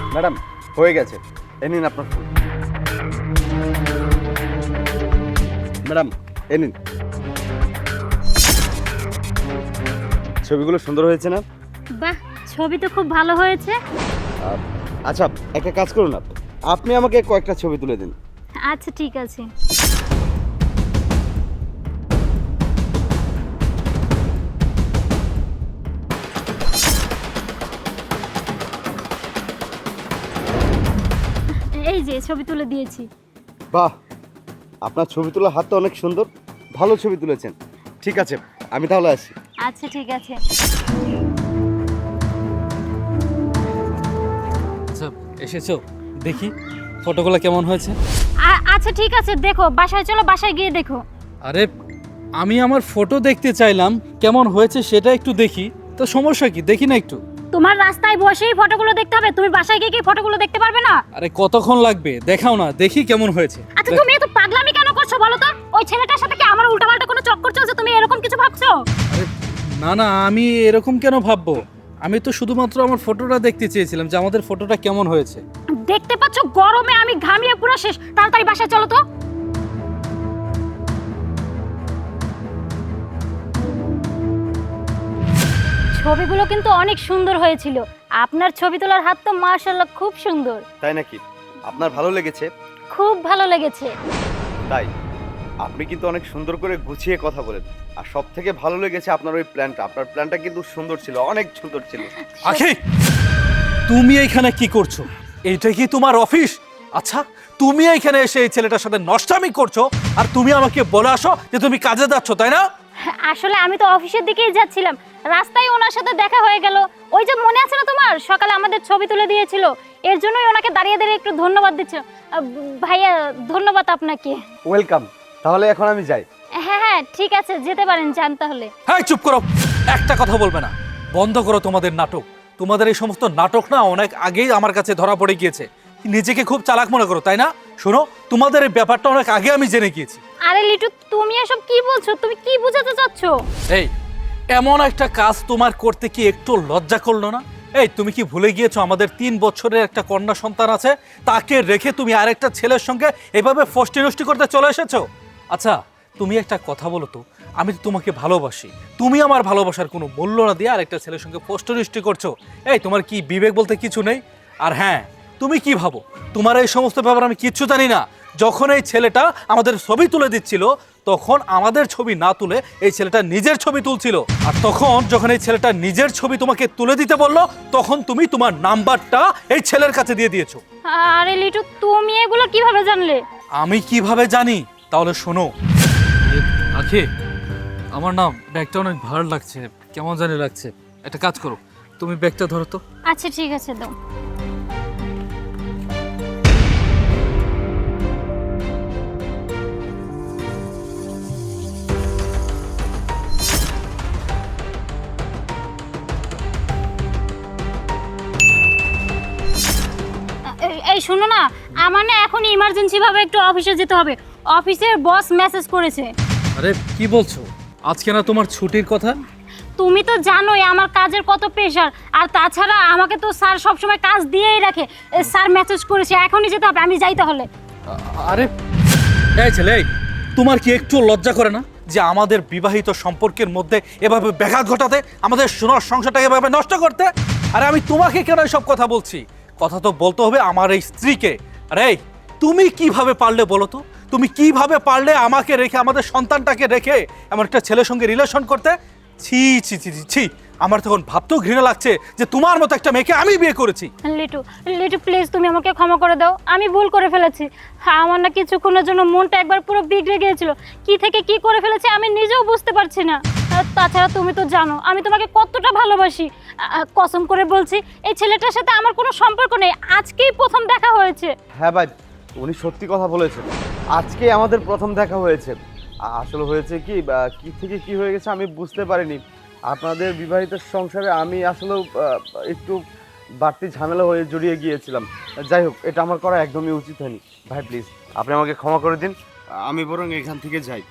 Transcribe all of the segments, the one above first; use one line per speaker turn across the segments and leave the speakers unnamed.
Madam হয়ে গেছে, এ নিন আপনার ফুল। ম্যাডাম এ নিন। ছবিগুলো সুন্দর হয়েছে না?
বাহ, ছবি তো খুব ভালো হয়েছে।
আচ্ছা একটা কাজ করুন, আপনি আমাকে কয়েকটা ছবি তুলে দিন।
আচ্ছা ঠিক আছে। এই যে ছবি তুলে দিয়েছি।
বাহ, আপনার ছবি তোলার হাতটা অনেক সুন্দর, ভালো ছবি তুলেছেন। ঠিক আছে, আমি তাহলে আসি।
আচ্ছা ঠিক আছে।
আচ্ছা এসেছো, দেখি ফটোগুলো কেমন হয়েছে।
আচ্ছা ঠিক আছে, দেখো বাসায় চলো, বাসায় গিয়ে দেখো।
আরে আমি আমার ফটো দেখতে চাইলাম, কেমন হয়েছে সেটা একটু দেখি, তো সমস্যা কি, দেখি না একটু।
তোমার রাস্তায় বসেই ফটোগুলো দেখতে হবে, তুমি বাসায় গিয়ে কি ফটোগুলো দেখতে পারবে না?
আরে কতক্ষণ লাগবে, দেখাও না, দেখি কেমন হয়েছে।
আচ্ছা তুমি এত পাগলামি কেন করছো বলো তো? ওই ছেলেটার সাথে কি আমার উল্টাপাল্টা কোনো চক্কর চলছে, তুমি এরকম কিছু ভাবছো?
আরে না না, আমি এরকম কেন ভাববো, আমি তো শুধুমাত্র আমার ফটোটা দেখতে চেয়েছিলাম যে আমাদের ফটোটা কেমন হয়েছে।
দেখতে পাচ্ছ গরমে আমি ঘামিয়ে পুরো শেষ, তাড়াতাড়ি বাসায় চলো তো। ছবিগুলো কিন্তু অনেক সুন্দর হয়েছিল, আপনার ছবি তোলার হাত তো মাশাআল্লাহ খুব সুন্দর।
তাই নাকি? আপনার ভালো লেগেছে?
খুব ভালো লেগেছে।
তাই আপনি কিন্তু অনেক সুন্দর করে গুছিয়ে কথা বলেন, আর সব থেকে ভালো লেগেছে আপনার ওই প্ল্যানটা। আপনার প্ল্যানটা কিন্তু সুন্দর ছিল, অনেক সুন্দর ছিল।
আখি, তুমি এইখানে কি করছো? এইটা কি তোমার অফিস? আচ্ছা তুমি এইখানে এসে এই ছেলেটার সাথে নষ্টামি করছো, আর তুমি আমাকে বলে আসো যে তুমি কাজে যাচ্ছ, তাই না?
আসলে আমি তো অফিসের দিকেই যাচ্ছিলাম, রাস্তায় ওনার সাথে দেখা হয়ে গেল। ওই যে মনে আছে না তোমার, সকালে আমাদের ছবি তুলে দিয়েছিল, এর জন্যই ওনাকে দাঁড়িয়ে দাঁড়িয়ে একটু ধন্যবাদ দিচ্ছ। ভাইয়া ধন্যবাদ আপনাকে।
ওয়েলকাম, তাহলে এখন আমি যাই।
হ্যাঁ হ্যাঁ ঠিক আছে, যেতে পারেন, যান তাহলে।
হ্যাঁ চুপ করো, একটা কথা বলবে না, বন্ধ করো তোমাদের নাটক। তোমাদের এই সমস্ত নাটক না অনেক আগেই আমার কাছে ধরা পড়ে গিয়েছে। নিজেকে খুব চালাক মনে করো, তাই না? শোনো, তোমাদের এই ব্যাপারটা অনেক আগে আমি জেনে গিয়েছি।
আরে লিটু, তুমি এসব কি বলছো? তুমি কি বোঝাতে চাচ্ছ?
এই এমন একটা কাজ তোমার করতে কি একটু লজ্জা করলো না? এই তুমি কি ভুলে গিয়েছো আমাদের 3 বছরের একটা কন্যা সন্তান আছে, তাকে রেখে তুমি আরেকটা ছেলের সঙ্গে এভাবে ফষ্টি নষ্টি করতে চলে এসেছো? আচ্ছা তুমি একটা কথা বলো তো, আমি তো তোমাকে ভালোবাসি, তুমি আমার ভালোবাসার কোনো মূল্য না দিয়ে আরেকটা ছেলের সঙ্গে ফষ্টি নষ্টি করছো। এই তোমার কি বিবেক বলতে কিছু নেই? আর হ্যাঁ, তুমি কি ভাবো তোমার এই সমস্ত ব্যাপার আমি কিচ্ছু জানি না? যখন এই ছেলেটা আমাদের ছবি তুলে দিচ্ছিল, তখন আমাদের ছবি না তুলে এই ছেলেটা নিজের ছবি তুলছিল। আর তখন যখন এই ছেলেটা নিজের ছবি তোমাকে তুলে দিতে বললো, তখন তুমি তোমার নাম্বারটা এই ছেলের কাছে দিয়ে দিয়েছো।
আরে লিটু, তুমি এগুলো কিভাবে জানলে?
আমি কিভাবে জানি? তাহলে শোনো। আখি, আমার না ব্যাগটা অনেক ভার লাগছে, কেমন জানি লাগছে। একটা কাজ করো, তুমি ব্যাগটা ধরো তো।
আচ্ছা ঠিক আছে, দাও। এই শোনো না, আমার না এখন ইমার্জেন্সি ভাবে একটু অফিসে যেতে হবে, অফিসের বস মেসেজ করেছে।
আরে কি বলছো, আজকে না তোমার ছুটির কথা?
তুমি তো জানোই আমার কাজের কত প্রেশার, আর তাছাড়া আমাকে তো স্যার সবসময় কাজ দিয়েই রাখে। স্যার মেসেজ করেছে, এখনই যেতে হবে, আমি যাই তাহলে।
আরে এই ছেলে, এই, তোমার কি একটু লজ্জা করে না যে আমাদের বিবাহিত সম্পর্কের মধ্যে এভাবে ব্যাঘাত ঘটাতে, আমাদের সোনার সংসারটাকে এভাবে নষ্ট করতে? আরে আমি তোমাকে কেন সব কথা বলছি? কথা তো বলতে হবে আমার এই স্ত্রীকে। আরে এই, তুমি কিভাবে পারলে বলো তো, তুমি কিভাবে পারলে আমাকে রেখে, আমাদের সন্তানটাকে রেখে এমন একটা ছেলের সঙ্গে রিলেশন করতে? ছি ছি ছি ছি ছি, আমার তখন ভাবতেও ঘৃণা লাগছে যে তোমার মতো একটা মেয়েকে আমি বিয়ে করেছি।
লিটু, লিটু প্লিজ তুমি আমাকে ক্ষমা করে দাও, আমি ভুল করে ফেলেছি। হ্যাঁ, আমার না কিছুক্ষণের জন্য মনটা একবার পুরো বিগড়ে গিয়েছিল, কি থেকে কি করে ফেলেছি আমি নিজেও বুঝতে পারছি না। আর তাছাড়া তুমি তো জানো আমি তোমাকে কতটা ভালোবাসি। কসম করে বলছি, এই ছেলেটার সাথে আমার কোনো সম্পর্ক নেই, আজকেই প্রথম দেখা হয়েছে।
হ্যাঁ ভাই, উনি সত্যি কথা বলেছেন, আজকে আমাদের প্রথম দেখা হয়েছে। আসলে হয়েছে কি, কি থেকে কি হয়ে গেছে আমি বুঝতে পারিনি। আপনাদের বিবাহিত সংসারে আমি আসলে একটু বাড়তি ঝামেলা হয়ে জড়িয়ে গিয়েছিলাম। যাই হোক, এটা আমার করা একদমই উচিত হয়নি। ভাই প্লিজ আপনি আমাকে ক্ষমা করে দিন, আমি বরং এখান থেকে যাই।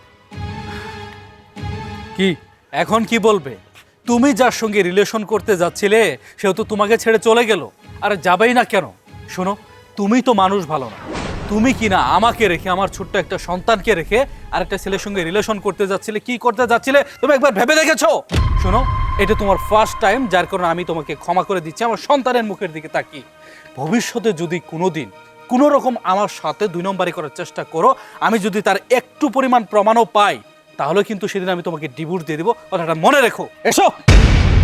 কি এখন কি বলবে? তুমি যার সঙ্গে রিলেশন করতে যাচ্ছিলে সেও তো তোমাকে ছেড়ে চলে গেল, আর যাবেই না কেন? শোনো, তুমি তো মানুষ ভালো না, তুমি কি না আমাকে রেখে, আমার ছোট্ট একটা সন্তানকে রেখে আরেকটা ছেলের সঙ্গে রিলেশন করতে যাচ্ছিলে, কি করতে যাচ্ছিলে তুমি একবার ভেবে দেখেছো? শোনো, এটা তোমার ফার্স্ট টাইম, যার কারণে আমি তোমাকে ক্ষমা করে দিচ্ছি আমার সন্তানের মুখের দিকে তাকিয়ে। ভবিষ্যতে যদি কোনোদিন কোনো রকম আমার সাথে 2 নম্বরই করার চেষ্টা করো, আমি যদি তার একটু পরিমাণ প্রমাণও পাই, তাহলে কিন্তু সেদিন আমি তোমাকে ডিভোর্স দিয়ে দেবো, কথাটা মনে রেখো। এসো।